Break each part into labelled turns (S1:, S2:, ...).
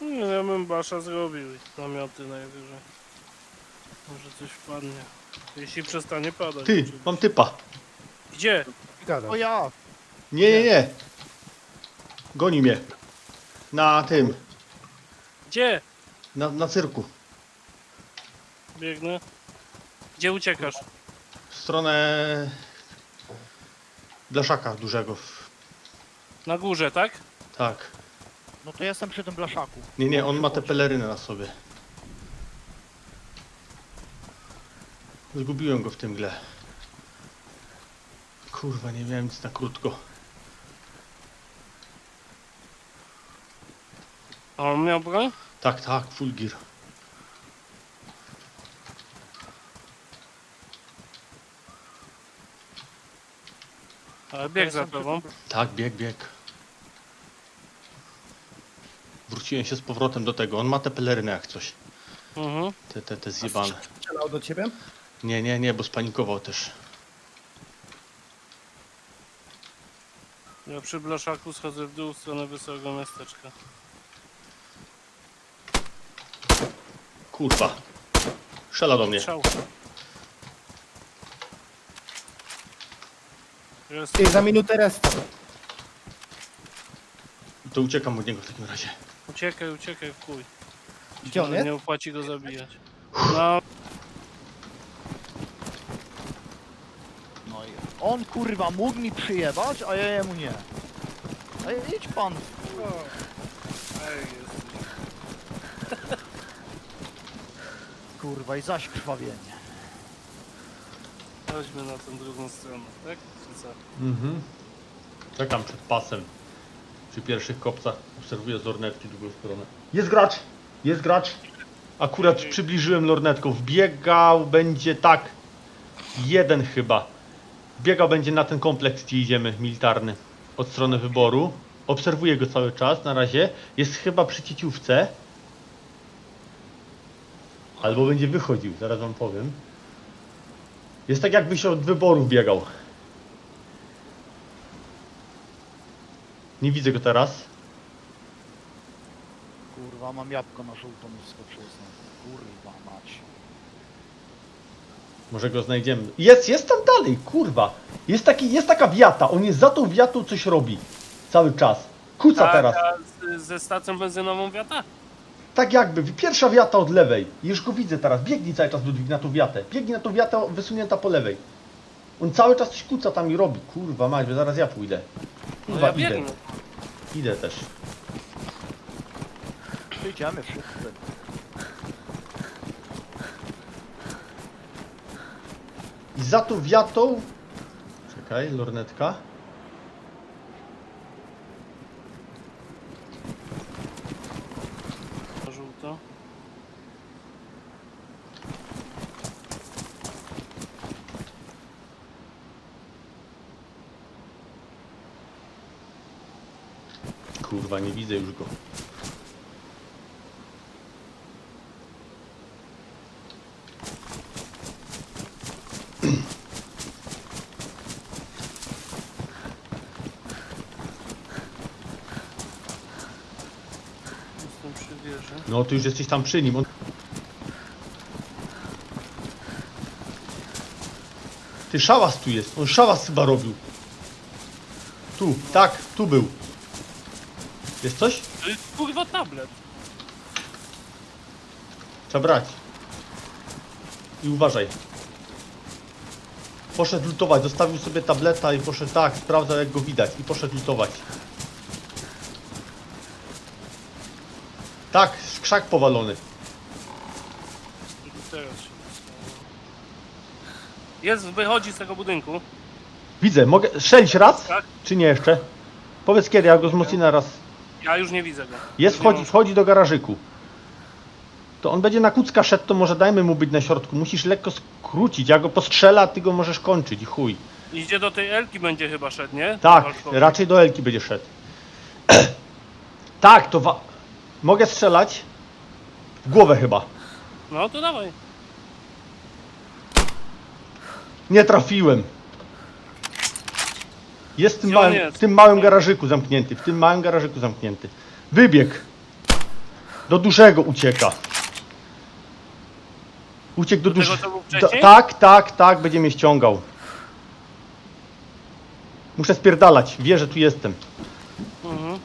S1: Nie, ja bym basza zrobił i namioty najwyżej. Może coś wpadnie. Jeśli przestanie padać.
S2: Ty,
S1: oczywiście.
S2: mam typa.
S1: Gdzie?
S3: Gadasz.
S4: O ja!
S2: Nie. Goni mnie. Na tym,
S1: Gdzie?
S2: na cyrku.
S1: Biegnę. Gdzie uciekasz?
S2: W stronę blaszaka dużego.
S1: Na górze, tak?
S2: Tak.
S4: No to jestem przy tym blaszaku.
S2: Nie, on ma te pelerynę na sobie. Zgubiłem go w tym gle. Kurwa, nie miałem nic na krótko.
S1: A on miał broń?
S2: Tak, full gear.
S1: Ale bieg za tobą.
S2: Tak, bieg. Wróciłem się z powrotem do tego. On ma te pelerynę jak coś.
S1: Mhm.
S2: Te zjebane.
S3: Strzelał do ciebie?
S2: Nie, bo spanikował też.
S1: Ja przy blaszaku schodzę w dół w stronę wesołego miasteczka.
S2: Kurwa. Strzela do mnie.
S1: Strzał. Jest.
S3: Ty, za minutę resta.
S2: To uciekam od niego w takim razie.
S1: Uciekaj w chuj.
S3: Gdzie on jest?
S1: Nie opłaci go zabijać. No,
S4: No i on kurwa mógł mi przyjebać, a ja jemu nie. Ej, idź pan. Kurwa i zaś krwawienie.
S1: chodźmy na tę drugą stronę, tak? Czy co?
S2: Mhm. Czekam przed pasem. Przy pierwszych kopcach obserwuję z lornetki drugą stronę. Jest gracz. Akurat przybliżyłem lornetką. Wbiegał będzie tak. Jeden chyba. Wbiegał będzie na ten kompleks, gdzie idziemy, militarny. Od strony wyboru. Obserwuję go cały czas na razie. Jest chyba przy cieciówce. Albo będzie wychodził, zaraz wam powiem. Jest tak jakby się od wyborów biegał. Nie widzę go teraz.
S4: Kurwa mam jabłko na żółto mi wskoczyło znowu. Kurwa mać.
S2: Może go znajdziemy. Jest tam dalej, kurwa. Jest taka wiata. On jest za tą wiatą, coś robi. Cały czas. Kuca teraz.
S1: Ze stacją benzynową wiata?
S2: Tak jakby. Pierwsza wiata od lewej. Już go widzę teraz. Biegnij cały czas, Ludwik, na tą wiatę. Biegnij na tą wiatę wysunięta po lewej. On cały czas coś kuca tam i robi. Kurwa mać, bo zaraz ja pójdę.
S1: No
S2: Kurwa,
S1: ja biegnę.
S2: Idę też.
S4: Idziemy wszyscy.
S2: I za tą wiatą... Czekaj, lornetka.
S1: Żółto.
S2: Kurwa, nie widzę już go.
S1: Jestem przy wieży.
S2: No, ty już jesteś tam przy nim. Ty, szałas tu jest. On szałas chyba robił. Tu, tak, tu był. Jest coś?
S1: To jest kurwa tablet.
S2: Trzeba brać. I uważaj. Poszedł lutować, zostawił sobie tableta i poszedł tak, sprawdzał jak go widać i poszedł lutować. Tak, krzak powalony.
S1: Teraz się dostało. Jest, wychodzi z tego budynku.
S2: Widzę, mogę strzelić raz?
S1: Tak.
S2: Czy nie jeszcze? Powiedz kiedy, ja go wzmocnię raz.
S1: Ja już nie widzę go.
S2: Jest,
S1: Już nie
S2: wchodzi do garażyku. To on będzie na kucka szedł, to może dajmy mu być na środku. Musisz lekko skrócić, ja go postrzelę, a ty go możesz kończyć i chuj.
S1: Idzie do tej Elki będzie chyba szedł, nie?
S2: Tak,
S1: Walkowy.
S2: raczej do Elki będzie szedł. Tak, to mogę strzelać? W głowę chyba.
S1: No to dawaj.
S2: Nie trafiłem. Jest
S1: Gdzie on jest?
S2: w tym małym garażyku zamknięty. W tym małym garażyku zamknięty. Wybieg. Do dużego ucieka. Uciekł do
S1: Do tego,
S2: dużego.
S1: co był wcześniej?
S2: Tak, będzie mnie ściągał. Muszę spierdalać, wie, że tu jestem.
S1: Mhm.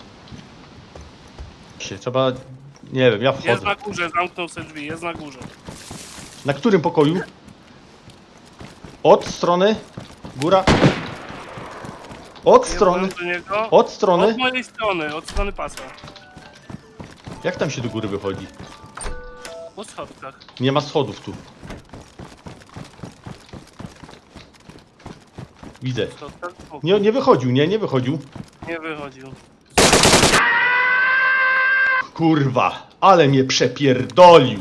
S2: Trzeba... Nie wiem, ja
S1: Jest
S2: wchodzę.
S1: na górze, zamknął sobie drzwi, jest na górze.
S2: Na którym pokoju? Od strony? Góra? Od strony?
S1: Do niego.
S2: Od strony?
S1: Od mojej strony, od strony pasa.
S2: Jak tam się do góry wychodzi?
S1: Po schodkach.
S2: Nie ma schodów tu. Widzę.
S1: Schodkach? O,
S2: Nie wychodził, nie wychodził.
S1: nie wychodził.
S2: Kurwa, ale mnie przepierdolił.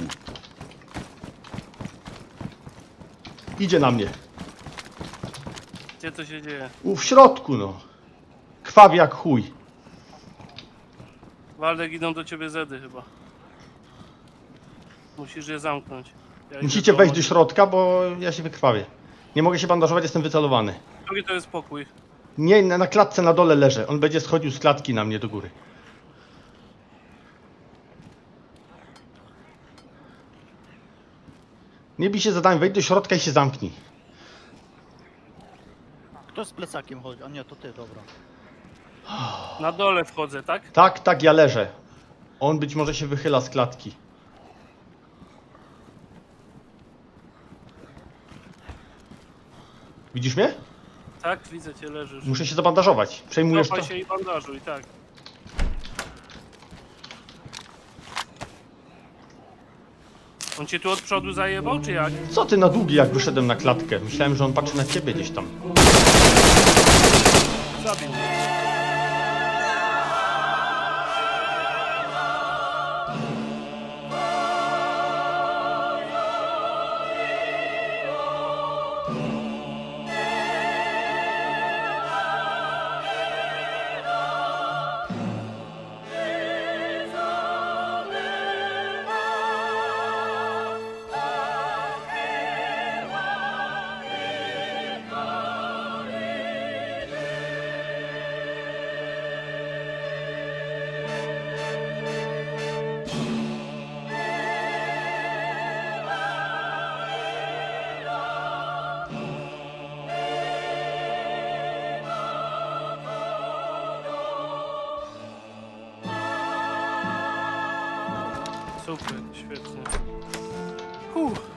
S2: Idzie na mnie.
S1: Gdzie to się dzieje?
S2: W środku, no. Krwawi jak chuj.
S1: Waldek, idą do ciebie zedy chyba. Musisz je zamknąć. Ja idę
S2: Musicie wejść do
S1: Mati.
S2: środka, bo ja się wykrwawię. Nie mogę się bandażować, jestem wycelowany.
S1: Drugi to jest pokój.
S2: Nie, na klatce na dole leżę. On będzie schodził z klatki na mnie do góry. Nie bij się zadań, wejdź do środka i się zamknij.
S4: Kto z plecakiem chodzi? A nie, to ty, dobra.
S1: Na dole wchodzę, tak?
S2: Tak, ja leżę. On być może się wychyla z klatki. Widzisz mnie?
S1: Tak, widzę cię, leżysz.
S2: Muszę się zabandażować. Przejmujesz to?
S1: Cofaj się i bandażuj, tak. On cię tu od przodu zajebał, czy jak?
S2: Co ty na długi, jak wyszedłem na klatkę? Myślałem, że on patrzy na ciebie gdzieś tam.
S1: Zabił mnie. Super, świetnie.